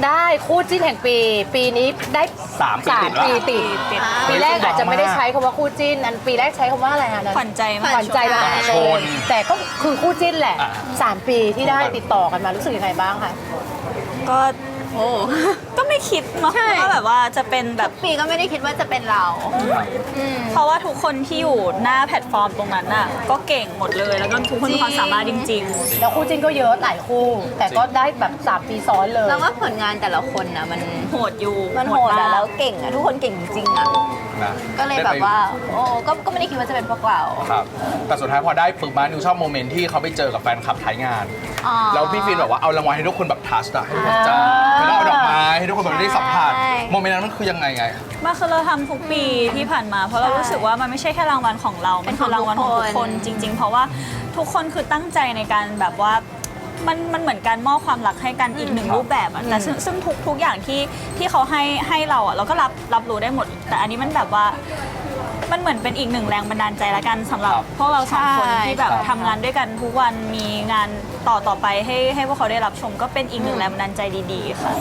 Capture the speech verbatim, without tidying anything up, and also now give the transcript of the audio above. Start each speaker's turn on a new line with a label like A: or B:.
A: ได้คู่จิ้นแห่งปี ปีนี้ได้
B: สามปีติด
A: ปีติด
C: ติด
A: ปีแรกอาจจะไม่ได้ใช้คำว่าคู่จิ้นอันปีแรกใช้คำว่าอะไรฮะ
C: ขวัญใจมาก
A: ขวัญใจมหาชนแต่ก็คือคู่จิ้นแหละ
B: อ่า
A: สามปีที่ได้ติดต่อกันมารู้สึกยังไงบ้างคะ
C: ก็โอ้ก็ไม่คิดเนาะว่าแบบว่าจะเป็นแบบ
D: ปีก็ไม่ได้คิดว่าจะเป็นเรา
C: เพราะว่าทุกคนที่อยู่หน้าแพลตฟอร์มตรงนั้นน่ะก็เก่งหมดเลย แล้วก็ทุกคนมีความสามารถจริง
A: แล้วคู่จิ้นก็เยอะหลายคู่ แต่ก็ได้แบบสามปีซ้อนเลย
D: แล้วว่าผลงานแต่ละคนนะมัน
C: ๆ โหดอยู่
D: มันโหด
C: มา
D: อะ
C: ก
D: แล้วเก่งอะทุกคนเก่งจริงๆอะ
B: นะ
D: ก็เลยแบบว่าโอ้ก็ก็ไม่ได้คิดว่าจะเป็นพวกเรา
B: ครับแต่สุดท้ายพอได้ปึ๊บมานิวชอบโมเมนต์ที่เขาไปเจอกับแฟนคลับท้ายงาน
D: อ๋อ
B: แล้วพี่ฟินบอกว่าเอารางวัลให้ทุกคนแบบทัชอะให้ทุกคนจับแล้วก็เอาดอกไม้ให้ทุกคนแบบได้สัมผัส
D: ใช่
B: โมเมนต์นั้นมันคือยังไงไง
C: มันคือเราทำทุกปีที่ผ่านมา เพราะเรารู้สึกว่ามันไม่ใช่แค่รางวัลของเรา มันคือรางวัลของทุกคนจริง ๆ เพราะว่าทุกคนคือตั้งใจในการแบบว่ามันมันเหมือนการมอบความรักให้กันอีกหนึ่ง
B: ครับ
C: รูปแบบอะแต่ซึ่งซึ่งทุกทุกอย่างที่ที่เขาให้ให้เราอะเราก็รับรับรู้ได้หมด แต่อันนี้มันแบบว่ามันเหมือนเป็นอีกหนึ่งแรงบันดาลใจละกันสำหรับ
B: ครับ
C: พวกเราสองคน
D: ใช่
C: ที่แบบ
D: ครับ
C: ทำงานด้วยกันทุกวันมีงานต่อต่อไปให้ให้พวกเขาได้รับชมก็เป็นอีกหนึ่งแรงบันดาลใจดีๆค่ะ